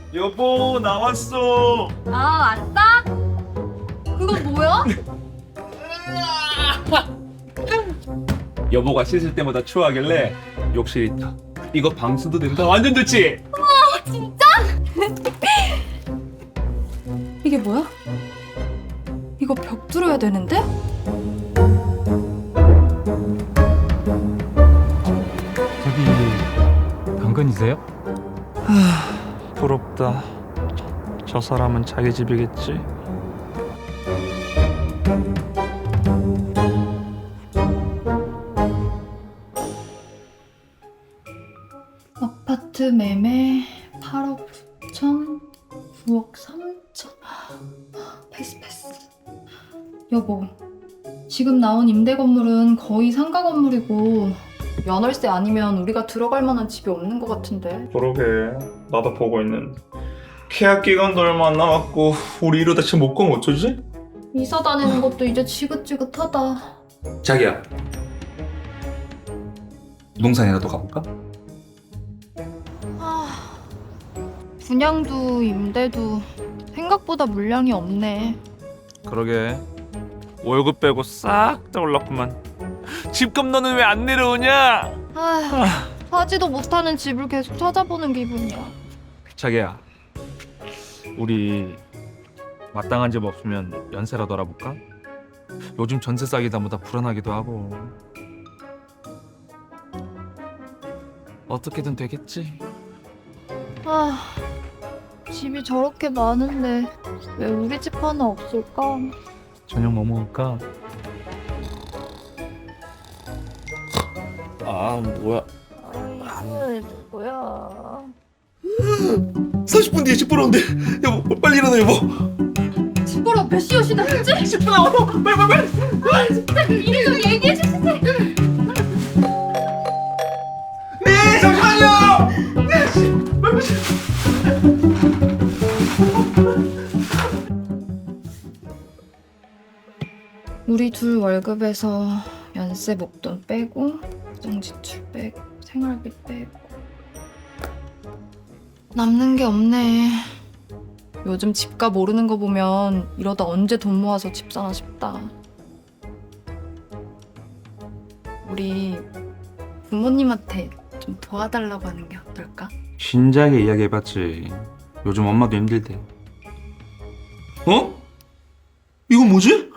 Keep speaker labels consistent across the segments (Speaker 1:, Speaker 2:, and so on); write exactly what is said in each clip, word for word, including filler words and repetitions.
Speaker 1: 여보 나왔어.
Speaker 2: 아, 왔다? 그건 뭐야?
Speaker 1: 여보가 씻을 때마다 추워하길래 욕실 있다. 이거 방수도 된다. 완전 좋지?
Speaker 2: 진짜? 이게 뭐야? 이거 벽 뚫어야 되는데?
Speaker 3: 저기 강건이세요?
Speaker 1: 부럽다. 저 사람은 자기 집이겠지.
Speaker 2: 아파트 매매 팔억 구천, 구억 삼천. 패스 패스. 여보, 지금 나온 임대 건물은 거의 상가 건물이고 연월세 아니면 우리가 들어갈 만한 집이 없는 것 같은데.
Speaker 1: 그러게. 나도 보고 있는데. 계약 기간도 얼마 안 남았고 우리 이러다 지금 못 가면 어쩌지?
Speaker 2: 이사 다니는 것도 이제 지긋지긋하다.
Speaker 1: 자기야. 부동산이라도 가볼까?
Speaker 2: 아, 분양도 임대도 생각보다 물량이 없네.
Speaker 1: 그러게. 월급 빼고 싹 다 올랐구만. 집값 너는 왜 안 내려오냐?
Speaker 2: 아, 사지도 못하는 집을 계속 찾아보는 기분이야.
Speaker 1: 자기야, 우리 마땅한 집 없으면 연세라도 알아볼까? 요즘 전세 싸기다 보다 불안하기도 하고. 어떻게든 되겠지.
Speaker 2: 아, 집이 저렇게 많은데 왜 우리 집 하나 없을까?
Speaker 1: 저녁 뭐 먹을까? 아 뭐야?
Speaker 2: 아, 뭐야?
Speaker 1: 삼십 분 뒤에 집 보러 온대. 여보 빨리 일어나 여보.
Speaker 2: 집 보러 몇 시에 오시나 했지?
Speaker 1: 십 분 남았어. 빨리 빨리 빨리.
Speaker 2: 아, 진짜 미리 좀 얘기해 주세요.
Speaker 1: 네 잠시만요. 네 씨. 빨리 빨리.
Speaker 2: 우리 둘 월급에서 연세 목돈 빼고 고정 지출 빼고 생활비 빼고 남는 게 없네. 요즘 집값 오르는 거 보면 이러다 언제 돈 모아서 집 사나 싶다. 우리 부모님한테 좀 도와달라고 하는 게 어떨까?
Speaker 4: 진작에 이야기해봤지. 요즘 엄마도 힘들대. 어? 이건 뭐지?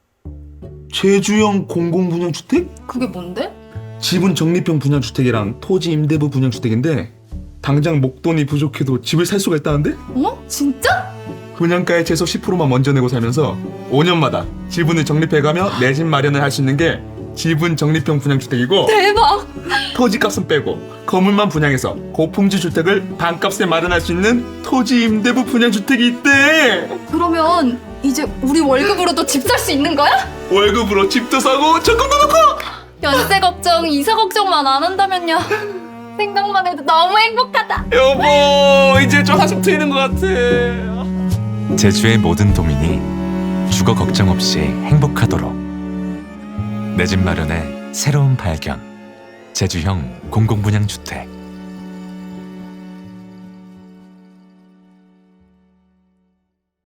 Speaker 4: 제주형 공공분양주택?
Speaker 2: 그게 뭔데?
Speaker 4: 지분 적립형 분양주택이랑 토지 임대부 분양주택인데 당장 목돈이 부족해도 집을 살 수가 있다는데?
Speaker 2: 어? 진짜?
Speaker 4: 분양가의 최소 십 퍼센트만 먼저 내고 살면서 오 년마다 지분을 적립해가며 내 집 마련을 할 수 있는 게 지분 적립형 분양주택이고,
Speaker 2: 대박!
Speaker 4: 토지값은 빼고 건물만 분양해서 고품질 주택을 반값에 마련할 수 있는 토지 임대부 분양주택이 있대.
Speaker 2: 그러면 이제 우리 월급으로도 집 살 수 있는 거야?
Speaker 4: 월급으로 집도 사고 적금도 넣고.
Speaker 2: 연세 걱정, 이사 걱정만 안 한다면요. 생각만 해도 너무 행복하다.
Speaker 1: 여보 이제 좀 한숨 트이는 것 같아.
Speaker 5: 제주의 모든 도민이 주거 걱정 없이 행복하도록 내 집 마련의 새로운 발견. 제주형 공공분양주택.